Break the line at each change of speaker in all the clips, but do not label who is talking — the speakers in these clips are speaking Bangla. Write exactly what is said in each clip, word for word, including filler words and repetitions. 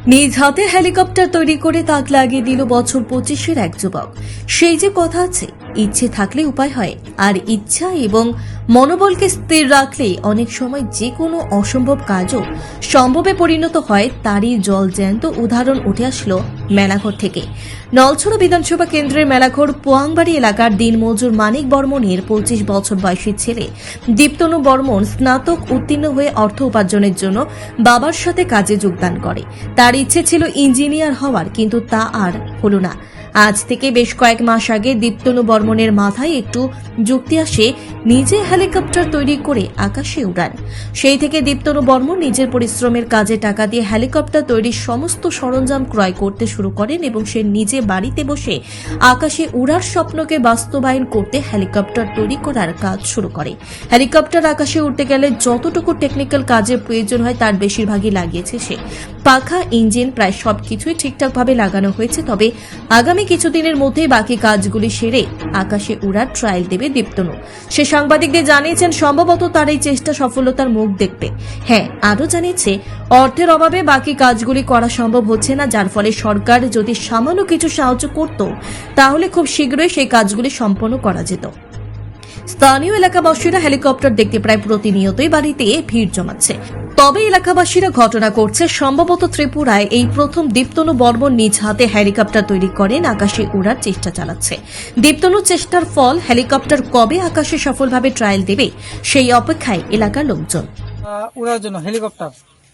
নিজ হাতে হেলিকপ্টার তৈরি করে তাক লাগিয়ে দিল বছর পঁচিশের এক যুবক। সেই যে কথা আছে, ইচ্ছে থাকলে উপায় হয়, আর ইচ্ছা এবং মনোবলকে স্থির রাখলেই অনেক সময় যে কোনো অসম্ভব কাজও সম্ভবে পরিণত হয়। তারই জলজ্যান্ত উদাহরণ উঠে আসলো মেলাঘর থেকে। নলছড়া বিধানসভা কেন্দ্রের মেলাঘর পোয়াংবাড়ি এলাকার দিনমজুর মানিক বর্মনের পঁচিশ বছর বয়সী ছেলে দীপ্তনু বর্মন স্নাতক উত্তীর্ণ হয়ে অর্থ উপার্জনের জন্য বাবার সাথে কাজে যোগদান করে। তার ইচ্ছে ছিল ইঞ্জিনিয়ার হওয়ার, কিন্তু তা আর হলো না। আজ থেকে বেশ কয়েক মাস আগে দীপ্তনু বর্মনের মাথায় একটু যুক্তি আসে, নিজে হেলিকপ্টার তৈরি করে আকাশে উড়ান। সেই থেকে দীপ্তনু বর্মন নিজের পরিশ্রমের কাজে টাকা দিয়ে হেলিকপ্টার তৈরির সমস্ত সরঞ্জাম ক্রয় করতে শুরু করেন এবং সে নিজে বাড়িতে বসে আকাশে উড়ার স্বপ্নকে বাস্তবায়ন করতে হেলিকপ্টার তৈরি করার কাজ শুরু করে। হেলিকপ্টার আকাশে উঠতে গেলে যতটুকু টেকনিক্যাল কাজের প্রয়োজন হয় তার বেশিরভাগই লাগিয়েছে সে। পাখা, ইঞ্জিন প্রায় সবকিছুই ঠিকঠাকভাবে লাগানো হয়েছে। তবে আগামী কিছুদিনের মধ্যে বাকি কাজগুলি সেরে আকাশে উড়ার ট্রায়াল দেবে দীপ্তনু। সে সাংবাদিকদের জানিয়েছেন সম্ভবত তার এই চেষ্টা সফলতার মুখ দেখবে। হ্যাঁ, আরও জানিয়েছে অর্থের অভাবে বাকি কাজগুলি করা সম্ভব হচ্ছে না, যার ফলে সরকার যদি সামান্য কিছু সাহায্য করত তাহলে খুব শীঘ্রই সেই কাজগুলি সম্পন্ন করা যেত। স্থানীয় এলাকাবাসীরা হেলিকপ্টার দেখতে প্রায় প্রতিনিয়তই বাড়িতে ভিড় জমাচ্ছে। তবে এলাকাবাসীরা ঘটনা করছে সম্ভবত ত্রিপুরায় এই প্রথম দীপ্তনু বর্মন নিজ হাতে হেলিকপ্টার তৈরি করেন, আকাশে উড়ার চেষ্টা চালাচ্ছে। দীপ্তনুর চেষ্টার ফল হেলিকপ্টার কবে আকাশে সফলভাবে ট্রায়াল দেবে সেই অপেক্ষায় এলাকার লোকজন।
উড়ার জন্য হেলিকপ্টার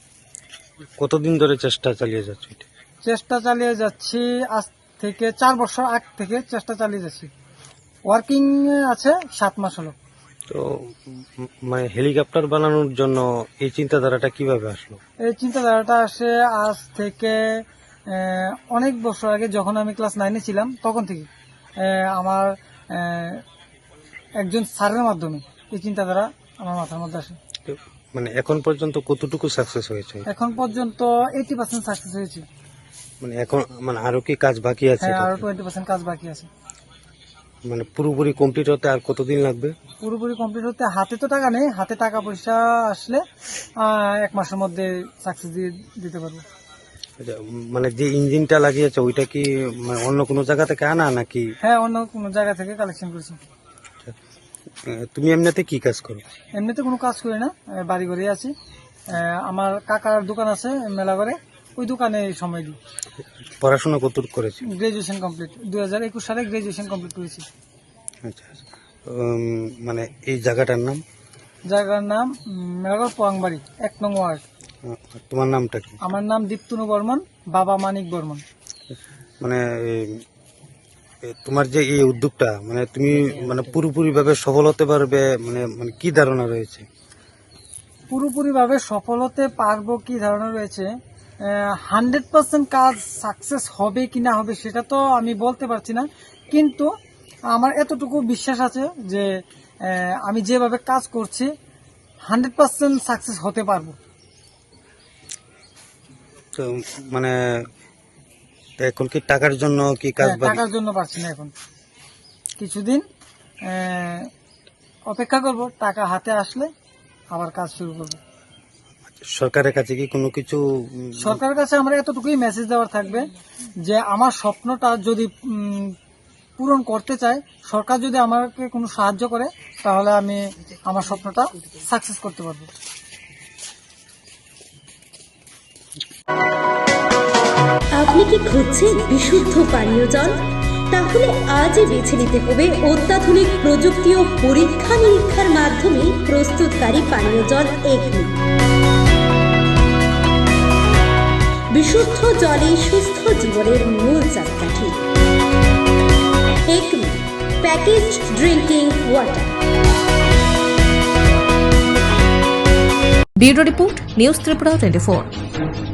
কতদিন ধরে চেষ্টা চালিয়ে যাচ্ছে?
চেষ্টা চালিয়ে যাচ্ছি আজ থেকে চার বছর আগ থেকে চেষ্টা চালিয়ে যাচ্ছি। ওয়ার্কিং আছে সাত মাস হলো।
তো উম, মানে হেলিকপ্টার বানানোর জন্য এই চিন্তাধারাটা কিভাবে আসলো?
এই চিন্তাধারাটা আসে আজ থেকে আহ, অনেক বছর আগে, যখন আমি ক্লাস নাইনে ছিলাম তখন থেকে আহ, আমার আহ, একজন স্যারের মাধ্যমে এই চিন্তাধারা আমার মাথার মধ্যে আসে।
তো, মানে এখন পর্যন্ত কতটুকু সাকসেস হয়েছে?
এখন পর্যন্ত এইটি পার্সেন্ট সাকসেস হয়েছে।
মানে এখন মানে আরো কি কাজ বাকি আছে?
হ্যাঁ, আরো টোয়েন্টি পার্সেন্ট কাজ বাকি আছে।
মানে পুরোপুরি কমপ্লিট হতে আর কতদিন লাগবে?
পুরোপুরি কমপ্লিট হতে হাতে তো টাকা নেই, হাতে টাকা পয়সা আসলে আহ, এক মাসের মধ্যে সাকসেস দিয়ে দিতে পারবো।
আচ্ছা, মানে যে ইঞ্জিনটা লাগিয়েছে ওইটা কি মানে অন্য কোনো জায়গা থেকে আনা নাকি?
হ্যাঁ, অন্য কোনো জায়গা থেকে কালেকশন করেছি।
আহ, তুমি এমনিতে কি কাজ করো?
এমনিতে কোনো কাজ করি না, আহ, বাড়ি ঘরে আছি। আহ, আমার কাকার দোকান আছে মেলা করে, ওই দোকানে সময় দিই।
পড়াশোনা কতটুকু করেছি?
গ্রাজুয়েশন কমপ্লিট, দুই হাজার একুশ সালে গ্রাজুয়েশন কমপ্লিট করেছি।
আচ্ছা আচ্ছা। উম, মানে এই জায়গাটার নাম?
জায়গার নাম উম, মেলাঘর পোয়াংবাড়ি, এক নং ওয়ার্ড।
আহ, তোমার নামটা কি?
আমার নাম দীপ্তনু বর্মন, বাবা মানিক বর্মন।
মানে এই- এই তোমার যে এই উদ্যোগটা, মানে তুমি মানে পুরোপুরি ভাবে সফল হতে পারবে, মানে মানে কি ধারণা রয়েছে?
পুরোপুরি ভাবে সফল হতে পারবো কি ধারণা রয়েছে, হান্ড্রেড পার্সেন্ট কাজ সাকসেস হবে কি না হবে সেটা তো আমি বলতে পারছি না, কিন্তু আমার এতটুকু বিশ্বাস আছে যে আহ, আমি যেভাবে কাজ করছি হান্ড্রেড পার্সেন্ট সাকসেস হতে পারবো।
তো মানে এখন কি টাকার জন্য কি কাজ
হ্যাঁ,
বাকি?
টাকার জন্য পারছি না, এখন কিছুদিন আহ, অপেক্ষা করব, টাকা হাতে আসলে আবার কাজ শুরু করবো।
সরকারের কাছে কি কোনো কিছু উম,
সরকারের কাছে আমার এতটুকুই মেসেজ দেওয়ার থাকবে যে আমার স্বপ্নটা যদি উম, পূরণ করতে চাই, সরকার যদি আমাকে কোনো সাহায্য করে তাহলে আমি আমার স্বপ্নটা সাকসেস করতে পারবো।
আপনি কি খুঁজছেন বিশুদ্ধ পানীয় জল? তাহলে আজই বেছে নিতে হবে অত্যাধুনিক প্রযুক্তি ও পরীক্ষা নিরীক্ষার মাধ্যমে প্রস্তুতকারী পানীয় জল একমি। বিশুদ্ধ জলে সুস্থ জীবনের মূল চাকাঠি। Acme package drinking water.
Bureau report, news Tripura twenty four.